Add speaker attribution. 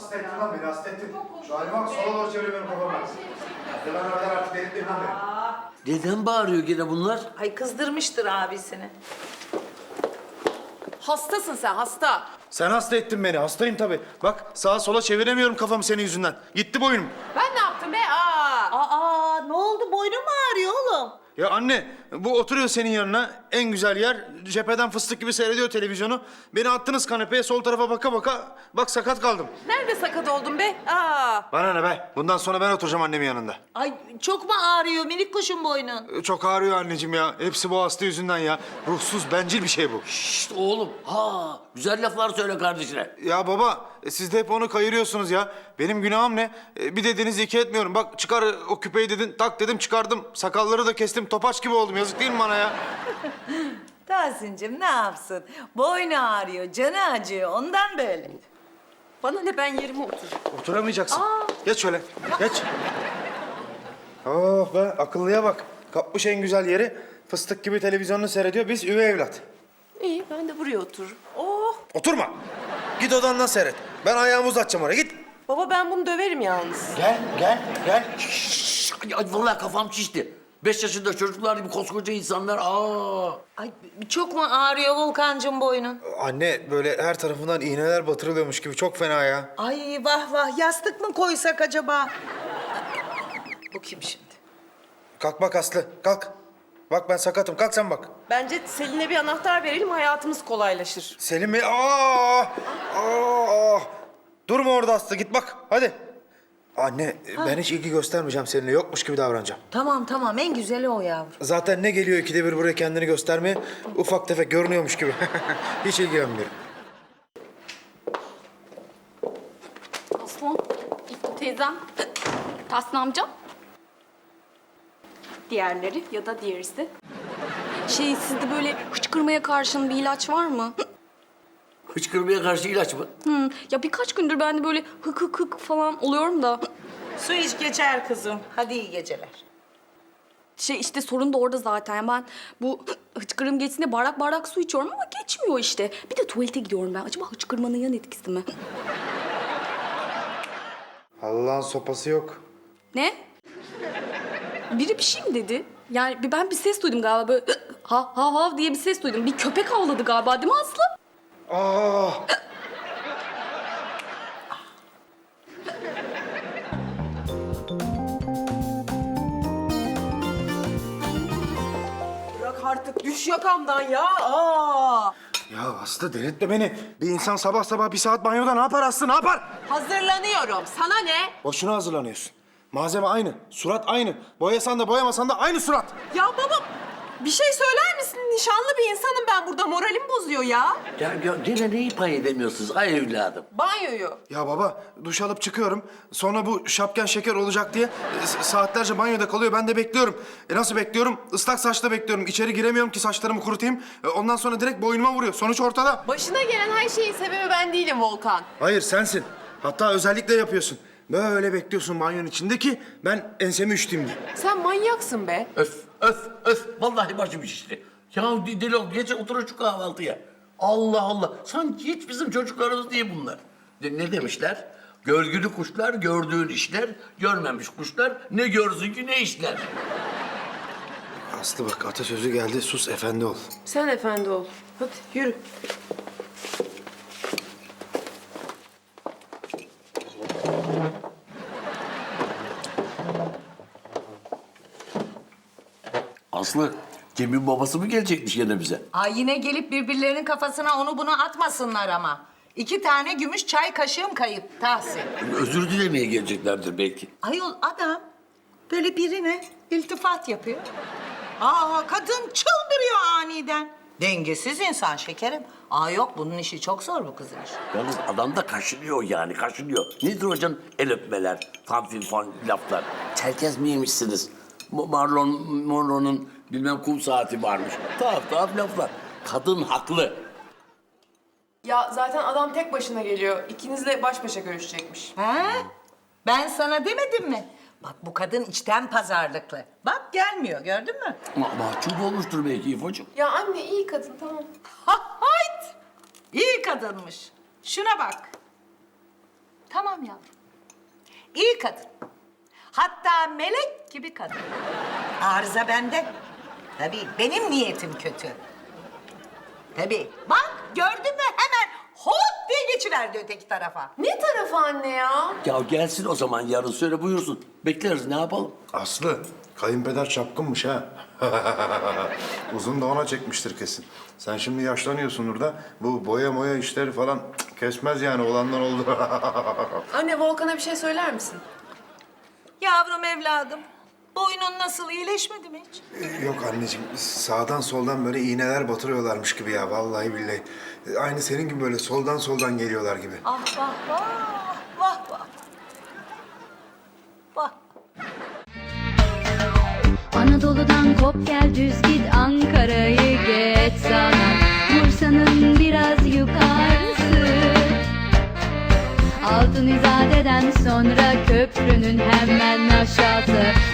Speaker 1: hasta ettin lan beni, hasta ettin. Şu halime bak, sola doğru çeviremiyorum kafamı. Ya ben oradan artık delirtmeyin lan beni.
Speaker 2: Neden bağırıyor gene bunlar?
Speaker 3: Ay kızdırmıştır abisini.
Speaker 4: Hastasın sen, hasta.
Speaker 1: Sen hasta ettin beni, hastayım tabii. Bak sağa sola çeviremiyorum kafamı senin yüzünden. Gitti boynum.
Speaker 4: Ben ne yaptım be?
Speaker 3: Aa ne oldu? Boynun mu ağrıyor oğlum?
Speaker 1: Ya anne, bu oturuyor senin yanına. En güzel yer. Cepheden fıstık gibi seyrediyor televizyonu. Beni attınız kanepeye, sol tarafa baka baka. Bak sakat kaldım.
Speaker 4: Nerede sakat oldun be?
Speaker 1: Bana ne be? Bundan sonra ben oturacağım annemin yanında.
Speaker 3: Ay çok mu ağrıyor minik kuşun boynun?
Speaker 1: Çok ağrıyor anneciğim ya. Hepsi bu hasta yüzünden ya. Ruhsuz, bencil bir şey bu.
Speaker 2: Şşt oğlum. Ha, güzel laflar söyle kardeşine.
Speaker 1: Ya baba, siz de hep onu kayırıyorsunuz ya. Benim günahım ne? Bir dediniz iki etmiyorum. Bak çıkar o küpeyi dedin, tak dedim çıkardım. Sakalları da kestim, topaç gibi oldum. Yazık değil mi bana ya?
Speaker 3: Tahsin'cim ne yapsın? Boynu ağrıyor, canı acıyor ondan böyle.
Speaker 4: Bana ne, ben yerime otur.
Speaker 1: Oturamayacaksın. Geç şöyle, geç. Oh be, akıllıya bak. Kapmış en güzel yeri. Fıstık gibi televizyonunu seyrediyor. Biz üvey evlat.
Speaker 4: İyi, ben de buraya otururum. Oh!
Speaker 1: Oturma. Git odandan seyret. Ben ayağımı uzatacağım oraya. Git.
Speaker 4: Baba ben bunu döverim yalnız.
Speaker 1: Gel.
Speaker 2: Şşş, ay, vallahi kafam şişti. 5 yaşında çocuklar gibi koskoca insanlar. Aa.
Speaker 3: Ay çok mu ağrıyor Volkancığım boynun?
Speaker 1: Anne böyle her tarafından iğneler batırılıyormuş gibi. Çok fena ya.
Speaker 3: Ay vah vah yastık mı koysak acaba? Bu kim şimdi?
Speaker 1: Kalk bak Aslı, kalk. Bak ben sakatım. Kalk sen bak.
Speaker 4: Bence Selin'e bir anahtar verelim, hayatımız kolaylaşır.
Speaker 1: Selim mi? Durma orada Aslı. Git bak. Hadi. Anne, ben hiç ilgi göstermeyeceğim seninle. Yokmuş gibi davranacağım.
Speaker 3: Tamam en güzeli o yavrum.
Speaker 1: Zaten ne geliyor ikide bir buraya kendini göstermeye? Ufak tefek görünüyormuş gibi. Hiç ilgilenmiyorum.
Speaker 5: Aslan, İfti teyzem, Tahsin amcam. Diğerleri ya da diğerisi. Sizde böyle hıçkırmaya karşın bir ilaç var mı?
Speaker 2: Hıçkırmaya karşı ilaç mı?
Speaker 5: Ya birkaç gündür ben de böyle hık hık hık falan oluyorum da.
Speaker 3: Su iç geçer kızım. Hadi iyi geceler.
Speaker 5: İşte sorun da orada zaten. Ben bu hıçkırım geçsin diye bardak bardak su içiyorum ama geçmiyor işte. Bir de tuvalete gidiyorum ben. Acaba hıçkırmanın yan etkisi mi?
Speaker 1: Allah'ın sopası yok.
Speaker 5: Ne? Biri bir şey mi dedi? Yani ben bir ses duydum galiba böyle ha ha ha diye bir ses duydum. Bir köpek havladı galiba değil mi Aslı?
Speaker 4: Bırak artık, düş yakamdan ya.
Speaker 1: Ya Aslı delirtme beni. Bir insan sabah sabah bir saat banyoda ne yapar Aslı, ne yapar?
Speaker 4: Hazırlanıyorum. Sana ne?
Speaker 1: Boşuna hazırlanıyorsun. Malzeme aynı, surat aynı. Boyasan da boyamasan da aynı surat.
Speaker 4: Ya baba, bir şey söyler misin? Nişanlı bir insanım ben burada. Moralim bozuyor ya.
Speaker 2: Ya gene neyi pay edemiyorsunuz ay evladım?
Speaker 4: Banyoyu.
Speaker 1: Ya baba, duş alıp çıkıyorum. Sonra bu şapken şeker olacak diye saatlerce banyoda kalıyor. Ben de bekliyorum. Nasıl bekliyorum? Islak saçla bekliyorum. İçeri giremiyorum ki saçlarımı kurutayım. Ondan sonra direkt boynuma vuruyor. Sonuç ortada.
Speaker 4: Başına gelen her şeyin sebebi ben değilim Volkan.
Speaker 1: Hayır, sensin. Hatta özellikle yapıyorsun. Böyle bekliyorsun banyonun içinde ki ben ensemi üşüteyim diye.
Speaker 4: Sen manyaksın be.
Speaker 2: Öf. Vallahi başım şişti. Ya deli ol. Gece oturun şu kahvaltıya. Allah Allah. Sanki hiç bizim çocuklarımız değil bunlar. Ne demişler? Görgülü kuşlar gördüğün işler, görmemiş kuşlar ne görsün ki ne işler.
Speaker 1: Aslı bak, atasözü geldi. Sus, efendi ol.
Speaker 4: Sen efendi ol. Hadi yürü.
Speaker 2: Aslı, Cem'in babası mı gelecekmiş gene bize?
Speaker 3: Ay yine gelip birbirlerinin kafasına onu bunu atmasınlar ama. 2 tane gümüş çay kaşığım kayıp Tahsin.
Speaker 2: Özür dilemeye geleceklerdir belki.
Speaker 3: Ayol adam böyle birine iltifat yapıyor. Kadın çıldırıyor aniden. Dengesiz insan şekerim. Yok bunun işi çok zor bu kızın işi.
Speaker 2: Yalnız adam da kaşınıyor yani, kaşınıyor. Nedir hocam el öpmeler, fanfilfon laflar? Çerkez miymişsiniz? Marlon Monroe'nun bilmem kum saati varmış. Tuhaf laflar. Kadın haklı.
Speaker 4: Ya zaten adam tek başına geliyor. İkinizle baş başa görüşecekmiş.
Speaker 3: Ben sana demedim mi? Bak bu kadın içten pazarlıklı. Bak gelmiyor gördün mü?
Speaker 2: Mahcup olmuştur belki İfo'cum.
Speaker 4: Ya anne iyi kadın tamam.
Speaker 3: Hayt! İyi kadınmış. Şuna bak.
Speaker 5: Tamam.
Speaker 3: Tamam yavrum. İyi kadın. Hatta melek gibi kadın. Arıza bende. Tabii benim niyetim kötü. Tabii. Bak gördün mü hemen hop diye geçiverdi öteki tarafa.
Speaker 4: Ne tarafı anne ya?
Speaker 2: Ya gelsin o zaman yarın söyle buyursun. Bekleriz ne yapalım?
Speaker 1: Aslı, kayınpeder çapkınmış ha. Uzun da ona çekmiştir kesin. Sen şimdi yaşlanıyorsun da bu boya moya işleri falan kesmez yani, olanlar oldu.
Speaker 4: Anne Volkan'a bir şey söyler misin?
Speaker 3: Yavrum evladım. Boynun nasıl, iyileşmedi mi hiç?
Speaker 1: Yok anneciğim, sağdan soldan böyle iğneler batırıyorlarmış gibi ya, vallahi billahi. Aynı senin gibi böyle soldan geliyorlar gibi.
Speaker 3: Ah vah vah, vah vah. Vah.
Speaker 6: Anadolu'dan kop gel düz git Ankara'yı geç sana Bursa'nın biraz yukarısı Altın İzade'den sonra köprünün hemen aşağısı